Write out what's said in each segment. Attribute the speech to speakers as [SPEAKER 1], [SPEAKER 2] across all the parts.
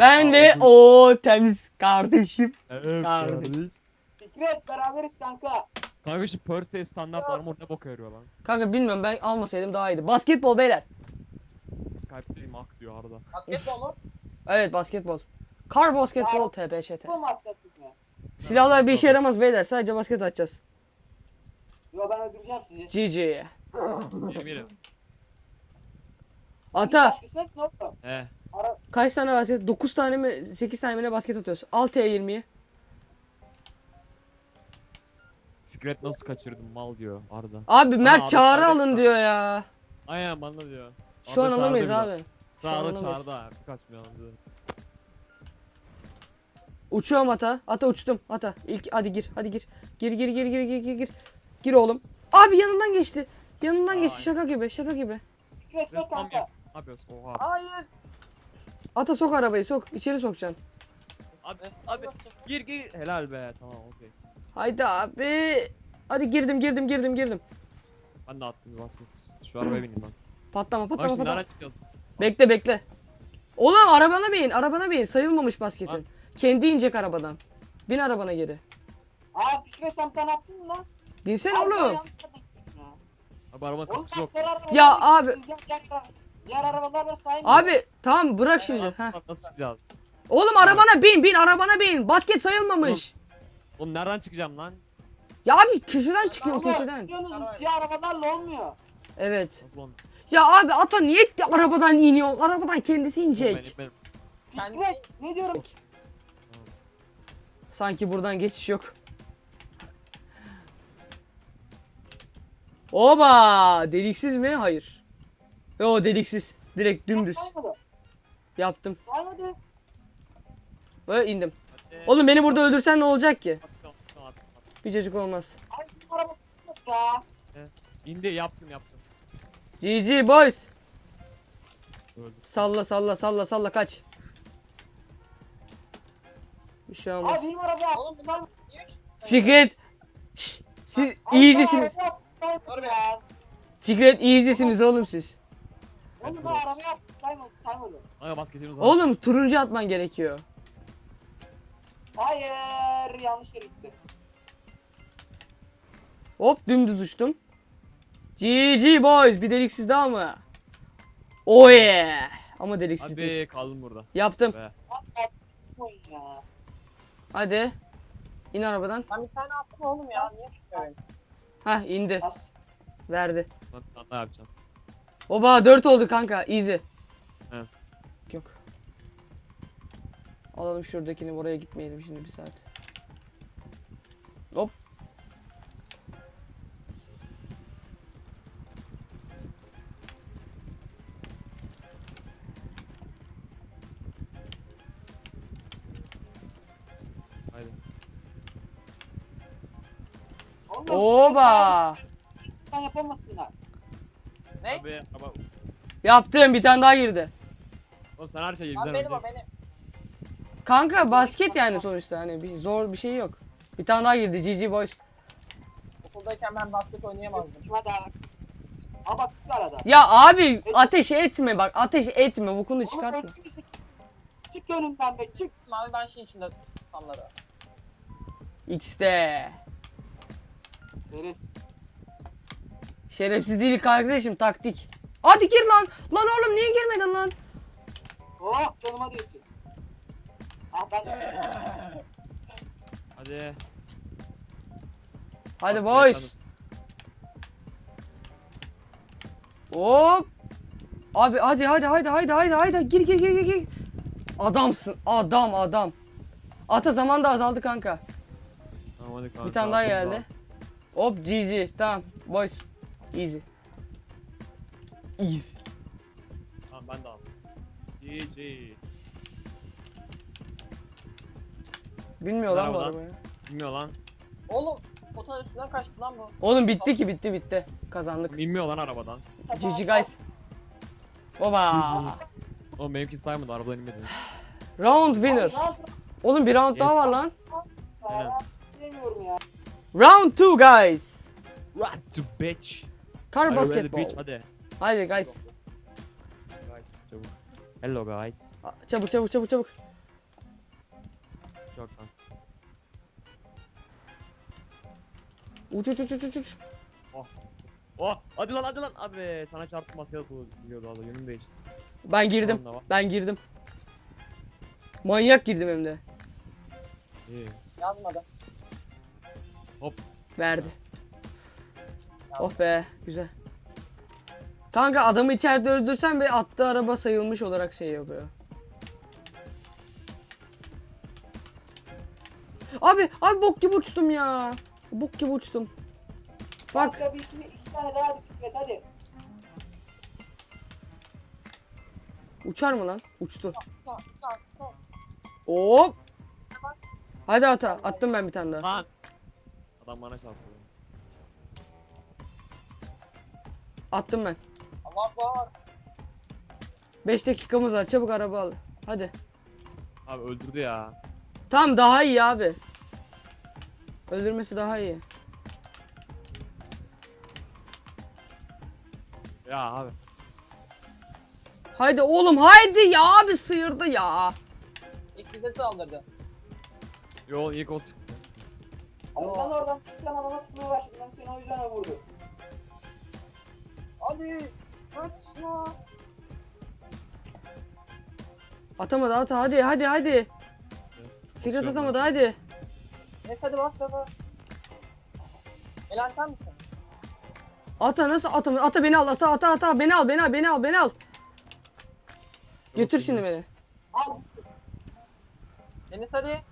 [SPEAKER 1] Ben ve o temiz kardeşim.
[SPEAKER 2] Evet
[SPEAKER 1] Kardeş.
[SPEAKER 3] Fikret beraberiz kanka.
[SPEAKER 2] Kanka şu Perseus standart armor ne boka yarıyor lan?
[SPEAKER 1] Kanka bilmiyorum, ben almasaydım daha iyiydi. Basketbol beyler.
[SPEAKER 2] Skype'deyim ak diyor arada.
[SPEAKER 3] Basketbol mu?
[SPEAKER 1] Evet, basketbol. Kar basketbol TBŞT.
[SPEAKER 3] Bu mu atlattık mı?
[SPEAKER 1] Silahlar bir işe yaramaz beyler. Sadece basket atacağız.
[SPEAKER 3] Yo ben öldüreceğim sizi.
[SPEAKER 1] GG.
[SPEAKER 2] Eminim.
[SPEAKER 1] Ata
[SPEAKER 3] Başkası ne oldu?
[SPEAKER 2] He.
[SPEAKER 3] Ara...
[SPEAKER 1] kaç tane basket? 9 tane mi 8 tane mi ne basket atıyorsun? 6'ya 20'yi.
[SPEAKER 2] Fikret nasıl kaçırdım mal diyor Arda.
[SPEAKER 1] Abi Mert
[SPEAKER 2] Arda
[SPEAKER 1] çağrı
[SPEAKER 2] çağırdı.
[SPEAKER 1] alın diyor ya.
[SPEAKER 2] Aynen bana diyor.
[SPEAKER 1] Şu an alamayız abi. Şu an
[SPEAKER 2] Arda
[SPEAKER 1] alamayız.
[SPEAKER 2] çağırdı abi. Kaçmıyor anladı.
[SPEAKER 1] Uçuyorum Ata. Ata uçtum. Ata. İlk hadi gir. Hadi gir. Gir. Gir oğlum. Abi yanından geçti. Yanından
[SPEAKER 2] Ay.
[SPEAKER 1] geçti. Şaka gibi. Şaka gibi.
[SPEAKER 3] Fikret sok
[SPEAKER 2] Respawn
[SPEAKER 3] kanka.
[SPEAKER 2] yap. Ne yapıyorsun? Oha.
[SPEAKER 3] Hayır.
[SPEAKER 1] Ata sok arabayı sok. İçeri sokacaksın.
[SPEAKER 2] Abi gir. Helal be tamam okey.
[SPEAKER 1] Haydi abi. Hadi girdim.
[SPEAKER 2] Ben de attım bir basket. Şu arabaya bineyim ben.
[SPEAKER 1] Patlama.
[SPEAKER 2] Bak şimdi
[SPEAKER 1] patlama.
[SPEAKER 2] nereden çıkalım?
[SPEAKER 1] Bekle. Oğlum arabana bin. Sayılmamış basketin.
[SPEAKER 2] Lan.
[SPEAKER 1] Kendi inecek arabadan. Bin arabana geri.
[SPEAKER 3] Aa Fikret sen bana attın mı lan?
[SPEAKER 1] Binsene
[SPEAKER 3] Abi, ben
[SPEAKER 1] oğlum.
[SPEAKER 3] yanlış adamım ya.
[SPEAKER 2] Abi arabanın
[SPEAKER 3] Oğlum
[SPEAKER 2] kapısı
[SPEAKER 3] bak
[SPEAKER 2] yok.
[SPEAKER 3] sarı arabalar
[SPEAKER 1] Ya
[SPEAKER 3] var,
[SPEAKER 1] abi.
[SPEAKER 3] Diğer arabalar var saymıyor.
[SPEAKER 1] Abi tamam bırak şimdi. Heh.
[SPEAKER 2] Nasıl çıkacağız?
[SPEAKER 1] Oğlum arabana bin arabana bin. Basket sayılmamış.
[SPEAKER 2] Oğlum nereden çıkacağım lan?
[SPEAKER 1] Ya abi köşeden çıkıyorum
[SPEAKER 3] Oğlum,
[SPEAKER 1] köşeden.
[SPEAKER 3] biliyorsunuz, siyah arabalarla olmuyor.
[SPEAKER 1] Evet.
[SPEAKER 2] Nasıl lan?
[SPEAKER 1] Ya abi ata niye arabadan iniyor? Arabadan kendisi inecek.
[SPEAKER 2] Benim.
[SPEAKER 3] Fikret ne diyorum?
[SPEAKER 1] Sanki buradan geçiş yok. Oba! Deliksiz mi? Hayır. Yo deliksiz. Direkt dümdüz.
[SPEAKER 3] Saymadı.
[SPEAKER 1] Yaptım.
[SPEAKER 3] Saymadı.
[SPEAKER 1] Böyle indim.
[SPEAKER 2] Hadi.
[SPEAKER 1] Oğlum beni burada öldürsen ne olacak ki?
[SPEAKER 2] At.
[SPEAKER 1] Bir cacık olmaz.
[SPEAKER 3] Ay bu araba yok ya.
[SPEAKER 2] İndi yaptım.
[SPEAKER 1] GG boys.
[SPEAKER 2] Öldü.
[SPEAKER 1] Salla kaç. Bir şey olmaz.
[SPEAKER 3] Abi benim araba yaptı. Oğlum bunlar
[SPEAKER 1] Fikret. Şşş, siz easy'siniz.
[SPEAKER 3] Dur ya.
[SPEAKER 1] Fikret easy'siniz oğlum siz.
[SPEAKER 3] Oğlum ben araba yaptım saymadı.
[SPEAKER 2] Aga basketimiz var.
[SPEAKER 1] Oğlum turuncu atman gerekiyor.
[SPEAKER 3] Hayır yanlış yere gitti.
[SPEAKER 1] Hop dümdüz uçtum. GG boys, bir deliksiz daha mı? Oh yeah. Ama deliksiz değil.
[SPEAKER 2] Abi kaldım burada.
[SPEAKER 1] Yaptım.
[SPEAKER 2] Be.
[SPEAKER 3] Oyun ya.
[SPEAKER 1] Hadi. İn arabadan.
[SPEAKER 3] Ben bir tane attım oğlum ya. Niye tutuyorsun?
[SPEAKER 1] Hah indi. Verdi.
[SPEAKER 2] Ben ne yapacağım?
[SPEAKER 1] Oba 4 oldu kanka. Easy.
[SPEAKER 2] Evet.
[SPEAKER 1] Yok. Alalım şuradakini, buraya gitmeyelim şimdi bir saat. Hop.
[SPEAKER 2] Haydi.
[SPEAKER 3] Oğlum,
[SPEAKER 1] Oba.
[SPEAKER 3] sen yapamazsınlar. Ne?
[SPEAKER 2] Abi ama
[SPEAKER 1] Yaptım, bir tane daha girdi.
[SPEAKER 2] oğlum sen her şeyi
[SPEAKER 3] Abi
[SPEAKER 2] bizden
[SPEAKER 3] benim o
[SPEAKER 2] önce.
[SPEAKER 3] benim.
[SPEAKER 1] Kanka basket yani sonuçta, hani bir zor bir şey yok. Bir tane daha girdi. GG boys.
[SPEAKER 3] Okuldayken ben basket oynayamazdım. Hadi abi. Aa bak tıkla arada.
[SPEAKER 1] Ya abi ateş etme bak, ateş etme, bokunu çıkartma.
[SPEAKER 3] Oğlum, çık önümden be çık. Abi ben şey içinde tutanları.
[SPEAKER 1] X'te.
[SPEAKER 3] Herif.
[SPEAKER 1] Şerefsiz değil kardeşim, taktik. Hadi gir lan. Lan oğlum niye girmedin lan?
[SPEAKER 3] Oh canıma değsin. Ah ben de.
[SPEAKER 2] Hadi.
[SPEAKER 1] Hadi
[SPEAKER 2] Bak,
[SPEAKER 1] boys. Hop. Abi hadi gir. Adamsın, adam. Ata zaman da azaldı kanka.
[SPEAKER 2] Tamam hadi kanka.
[SPEAKER 1] Bir tane daha
[SPEAKER 2] aldım
[SPEAKER 1] geldi. Hop GG, tamam boys. Easy.
[SPEAKER 2] Tamam ben de aldım. GG.
[SPEAKER 1] Bilmiyor lan bu
[SPEAKER 2] Merhaba lan.
[SPEAKER 1] arabayı.
[SPEAKER 2] Bilmiyor lan.
[SPEAKER 3] Oğlum fotonun üstünden kaçtı lan bu.
[SPEAKER 1] Oğlum bitti ki, bitti. Kazandık.
[SPEAKER 2] Bilmiyor lan arabadan.
[SPEAKER 1] GG guys. Oba.
[SPEAKER 2] Oğlum benimki saymadı arabadan inmedi.
[SPEAKER 1] Round winner. Oğlum bir round daha var lan.
[SPEAKER 2] Aynen.
[SPEAKER 3] Demiyorum ya.
[SPEAKER 1] Round 2 guys.
[SPEAKER 2] Right to bitch.
[SPEAKER 1] Kar
[SPEAKER 2] Are you ready, bitch?
[SPEAKER 1] basketball.
[SPEAKER 2] Hadi.
[SPEAKER 1] Hadi guys.
[SPEAKER 2] Guys çabuk. Hello guys.
[SPEAKER 1] Çabuk.
[SPEAKER 2] uçaktan.
[SPEAKER 1] Uç uç uç uç uç.
[SPEAKER 2] Oh hadi lan abi sana çarptım maskede duruyordu valla yönüm değişti.
[SPEAKER 1] Ben girdim.
[SPEAKER 2] Tamam da var.
[SPEAKER 1] Ben girdim. Manyak girdim hem de.
[SPEAKER 2] İyi.
[SPEAKER 3] Yazmadı.
[SPEAKER 1] Verdi. Oh be güzel. Kanka adamı içeride öldürsen ve attığı araba sayılmış olarak şey yapıyor. Abi bok gibi uçtum ya. Bok gibi uçtum. Bak.
[SPEAKER 3] Kanka bir iki tane daha dikkat hadi.
[SPEAKER 1] Uçar mı lan? Uçtu.
[SPEAKER 3] Tamam.
[SPEAKER 1] Hop. Hadi ata. Attım ben bir tane daha.
[SPEAKER 2] Lan. Adam bana çarptı.
[SPEAKER 1] Attım ben.
[SPEAKER 3] Allah var.
[SPEAKER 1] 5 dakikamız var. Çabuk araba al. Hadi.
[SPEAKER 2] Abi öldürdü ya.
[SPEAKER 1] Tamam daha iyi abi. Öldürmesi daha iyi.
[SPEAKER 2] Ya abi.
[SPEAKER 1] Haydi oğlum haydi ya abi sıyırdı ya.
[SPEAKER 3] İlk bize saldırdı.
[SPEAKER 2] Yo ilk o sıktı.
[SPEAKER 3] Ondan oradan çıksan adama sıkmaya başladı. Ben seni o yüzden vurdu. Hadi. Kaçma.
[SPEAKER 1] Atamadı ata hadi. Fikret atamadı hadi.
[SPEAKER 3] Neyse hadi bas baba. Elan sen misin?
[SPEAKER 1] Ata nasıl atamadı? Ata beni al ata beni al. Götür şimdi beni.
[SPEAKER 3] Al. Deniz hadi.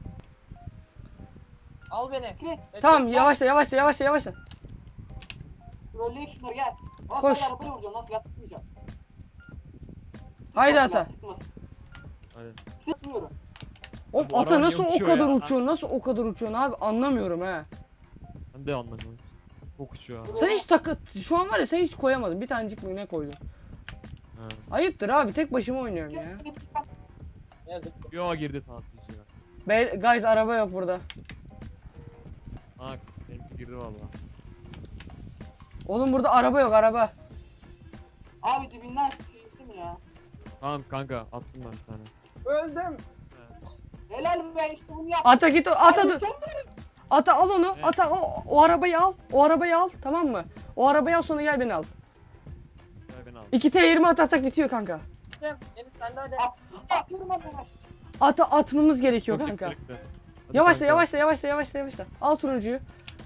[SPEAKER 3] Al beni.
[SPEAKER 1] Tamam yavaşla.
[SPEAKER 3] Rolleyip şunları gel. Bak,
[SPEAKER 1] Koş.
[SPEAKER 3] ben arabaya vuracağım. Nasıl sıkmayacağım.
[SPEAKER 1] Haydi
[SPEAKER 3] Sıkma,
[SPEAKER 1] ata.
[SPEAKER 3] Sıkma.
[SPEAKER 2] Hadi.
[SPEAKER 3] Sıkmıyorum.
[SPEAKER 1] Oğlum
[SPEAKER 2] Bu
[SPEAKER 1] ata
[SPEAKER 2] araba
[SPEAKER 1] nasıl
[SPEAKER 2] niye
[SPEAKER 1] o
[SPEAKER 2] uçuyor
[SPEAKER 1] kadar
[SPEAKER 2] ya?
[SPEAKER 1] uçuyor? Nasıl o kadar uçuyorsun abi? Anlamıyorum he.
[SPEAKER 2] Ben de anlamıyorum. Çok uçuyor abi.
[SPEAKER 1] Sen hiç şu an var ya sen hiç koyamadın. Bir tanecik mi ne koydun?
[SPEAKER 2] Ha.
[SPEAKER 1] Ayıptır abi tek başıma oynuyorum ya.
[SPEAKER 3] Ne yazık.
[SPEAKER 2] Yo girdi tanıtıcı.
[SPEAKER 1] Guys araba yok burada.
[SPEAKER 2] Ha benimki girdi valla.
[SPEAKER 1] Oğlum burada araba yok araba.
[SPEAKER 3] Abi dibinden sildim ya.
[SPEAKER 2] Tamam kanka attım ben bir tane.
[SPEAKER 3] Öldüm. Helal be işte bunu yap.
[SPEAKER 1] Ata git ata dur.
[SPEAKER 3] Çok
[SPEAKER 1] Ata al onu.
[SPEAKER 2] Evet.
[SPEAKER 1] Ata o arabayı al. O arabayı al tamam mı? O arabayı al sonra gel beni al.
[SPEAKER 2] Gel beni al.
[SPEAKER 1] 2T20 atarsak bitiyor kanka.
[SPEAKER 3] Deniz sen de hadi. Atıyorum hadi.
[SPEAKER 1] Ata atmamız gerekiyor
[SPEAKER 2] Çok
[SPEAKER 1] kanka.
[SPEAKER 2] sıkıntı. Hadi
[SPEAKER 1] Yavaşla. Al turuncuyu.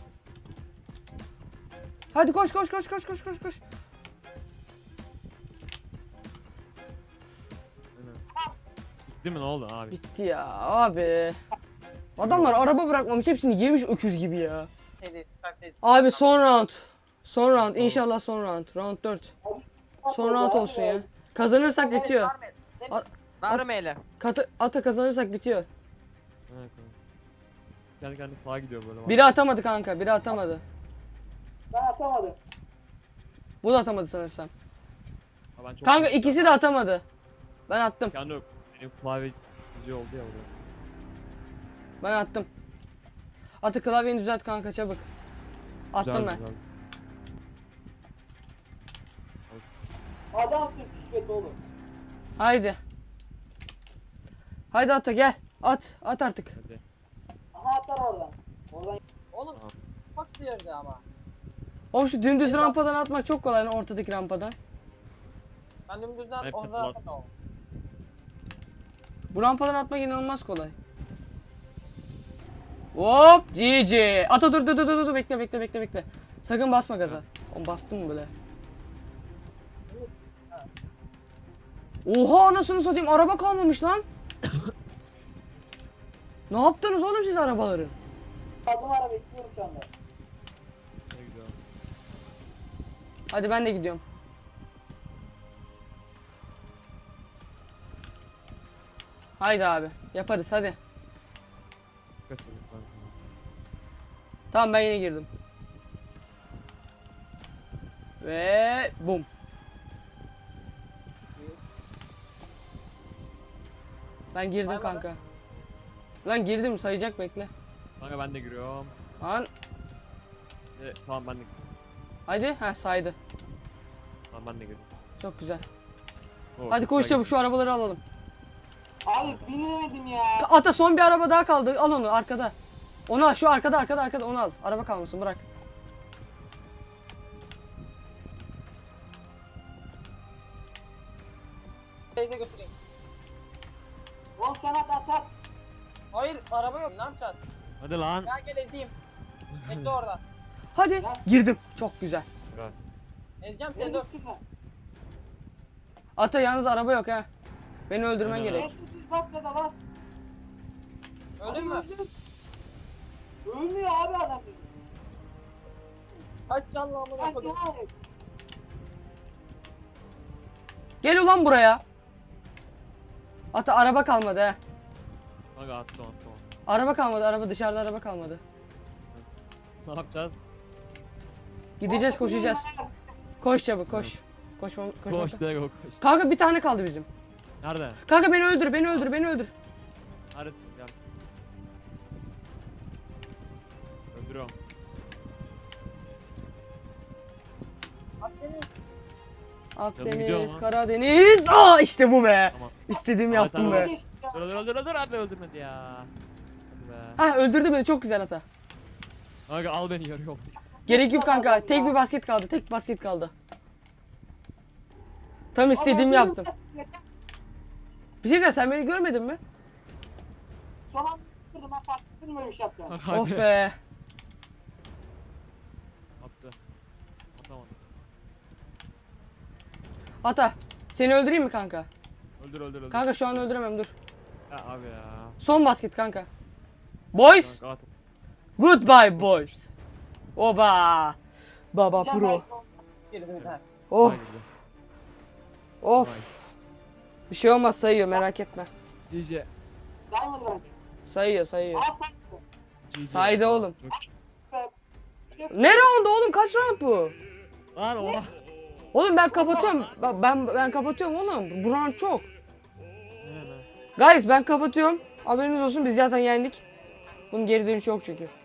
[SPEAKER 1] Hadi koş.
[SPEAKER 2] Aynen. Bitti mi ne oldu abi?
[SPEAKER 1] Bitti ya abi. Adamlar araba bırakmamış hepsini yemiş öküz gibi ya.
[SPEAKER 3] Şeydeyiz, süperdeyiz.
[SPEAKER 1] Abi son round. Son round
[SPEAKER 2] Son.
[SPEAKER 1] inşallah son round. Round 4. Son round olsun ya. Kazanırsak bitiyor.
[SPEAKER 3] Vermeyelim.
[SPEAKER 1] Ata kazanırsak bitiyor.
[SPEAKER 2] Evet, evet. Kendi kendine sağa gidiyor böyle.
[SPEAKER 1] Biri atamadı kanka. Biri atamadı.
[SPEAKER 3] Ben atamadım.
[SPEAKER 1] Bu da atamadı sanırsam.
[SPEAKER 2] Ha, ben çok
[SPEAKER 1] Kanka ikisi de atamadı. Ben attım.
[SPEAKER 2] Kendi yok. Benim klavye güzel oldu ya burada.
[SPEAKER 1] Ben attım. Atı klavyeni düzelt kanka çabuk. Attım
[SPEAKER 2] Güzel,
[SPEAKER 1] ben.
[SPEAKER 2] güzel.
[SPEAKER 3] Adamsın Fikret oğlum.
[SPEAKER 1] Haydi. Haydi ata gel. At artık.
[SPEAKER 2] Hadi.
[SPEAKER 3] Aha atar oradan. Oğlum
[SPEAKER 2] Tamam.
[SPEAKER 3] bak diyordu ama.
[SPEAKER 1] Oğlum şu dümdüz rampadan atmak çok kolay lan ortadaki rampadan.
[SPEAKER 3] Ben dümdüzden
[SPEAKER 2] Hep
[SPEAKER 3] ondan
[SPEAKER 2] yapılan.
[SPEAKER 3] atamam.
[SPEAKER 1] Bu rampadan atmak inanılmaz kolay. Hop GG. Ata dur bekle. Sakın basma gaza. Oğlum bastım mı böyle? Oha anasını satayım araba kalmamış lan. Ne yaptınız oğlum siz arabaları?
[SPEAKER 3] Aldım ara bekliyorum şu anda.
[SPEAKER 2] Ne gidiyor.
[SPEAKER 1] Hadi ben de gidiyorum. Haydi abi yaparız hadi.
[SPEAKER 2] Kaçırdık kanka.
[SPEAKER 1] Tamam ben yine girdim. Ve bum. Ben girdim
[SPEAKER 3] Saymadı.
[SPEAKER 1] kanka. Lan girdim sayacak bekle.
[SPEAKER 2] Kanka ben de giriyorum.
[SPEAKER 1] Lan
[SPEAKER 2] Tamam ben de girdim.
[SPEAKER 1] hadi saydı.
[SPEAKER 2] Tamam ben de girdim.
[SPEAKER 1] Çok güzel.
[SPEAKER 2] Oo,
[SPEAKER 1] Hadi
[SPEAKER 2] çok
[SPEAKER 1] koş
[SPEAKER 2] güzel
[SPEAKER 1] çabuk şu arabaları alalım.
[SPEAKER 3] Abi binemedim ya.
[SPEAKER 1] Ata son bir araba daha kaldı. Al onu arkada. Onu al, şu arkada onu al. Araba kalmasın, bırak.
[SPEAKER 3] Teyze götüreyim. Oğlum sen at. Hayır araba yok ne yapacaksın?
[SPEAKER 2] Hadi lan.
[SPEAKER 3] Gel ezeyim. Bekle orada.
[SPEAKER 1] Hadi. Girdim. Çok güzel.
[SPEAKER 3] Ezeceğim teyze.
[SPEAKER 1] Ata yalnız araba yok ha. Beni öldürmen
[SPEAKER 2] Aynen
[SPEAKER 1] gerek.
[SPEAKER 3] Bas gaza bas. Öldün mü? Ölmüyor abi adam. Kaç canlı amına koyayım.
[SPEAKER 1] Gel ulan buraya. Ata araba kalmadı ha.
[SPEAKER 2] Kanka attım.
[SPEAKER 1] Araba kalmadı, dışarıda araba kalmadı.
[SPEAKER 2] Ne yapacağız?
[SPEAKER 1] Gideceğiz, koşacağız. Koş çabuk, koş. Koş.
[SPEAKER 2] Koş Dego koş.
[SPEAKER 1] Kanka bir tane kaldı bizim.
[SPEAKER 2] Nerede?
[SPEAKER 1] Kanka beni öldür.
[SPEAKER 2] Neredesin gel. Öldürüyorum.
[SPEAKER 3] Akdeniz.
[SPEAKER 1] Akdeniz,
[SPEAKER 2] gidiyorum ha.
[SPEAKER 1] Karadeniz. Aa işte bu be.
[SPEAKER 2] Tamam.
[SPEAKER 1] İstediğimi
[SPEAKER 2] Ama
[SPEAKER 1] yaptım
[SPEAKER 2] sen
[SPEAKER 1] be.
[SPEAKER 2] Öldür abi öldürmedi ya. Hadi be.
[SPEAKER 1] Ha öldürdü beni, çok güzel Ata.
[SPEAKER 2] Kanka al beni yarı yol.
[SPEAKER 1] Gerek yok kanka. Tek bir basket kaldı. Tek basket kaldı. Tam istediğimi yaptım. Bir şey diyeceğim, sen beni görmedin mi?
[SPEAKER 3] Son anda kırdım ben fark ettim böyle bir şey yapacağım.
[SPEAKER 1] Oh be.
[SPEAKER 2] Attı. Atamadım.
[SPEAKER 1] Ata. Seni öldüreyim mi kanka?
[SPEAKER 2] Öldür.
[SPEAKER 1] Kanka şu an öldüremem, dur.
[SPEAKER 2] Ya abi ya.
[SPEAKER 1] Son basket kanka. Boys.
[SPEAKER 2] Kanka at.
[SPEAKER 1] Goodbye boys. Oba. Baba pro. Oh.
[SPEAKER 2] Vay güzel.
[SPEAKER 1] Of.
[SPEAKER 2] Vay.
[SPEAKER 1] Bir şey olmaz, sayıyor, merak etme.
[SPEAKER 2] GG.
[SPEAKER 3] Diamond bence.
[SPEAKER 1] Sayıyor.
[SPEAKER 3] Al sen.
[SPEAKER 2] GG.
[SPEAKER 1] Saydı oğlum.
[SPEAKER 2] Çok-
[SPEAKER 1] Ne round oğlum, kaç round bu?
[SPEAKER 2] Lan oha.
[SPEAKER 1] Oğlum ben kapatıyorum. Bak ben kapatıyorum oğlum. Bu round çok.
[SPEAKER 2] Ne?
[SPEAKER 1] Guys ben kapatıyorum. Haberiniz olsun, biz zaten yendik. Bunun geri dönüşü yok çünkü.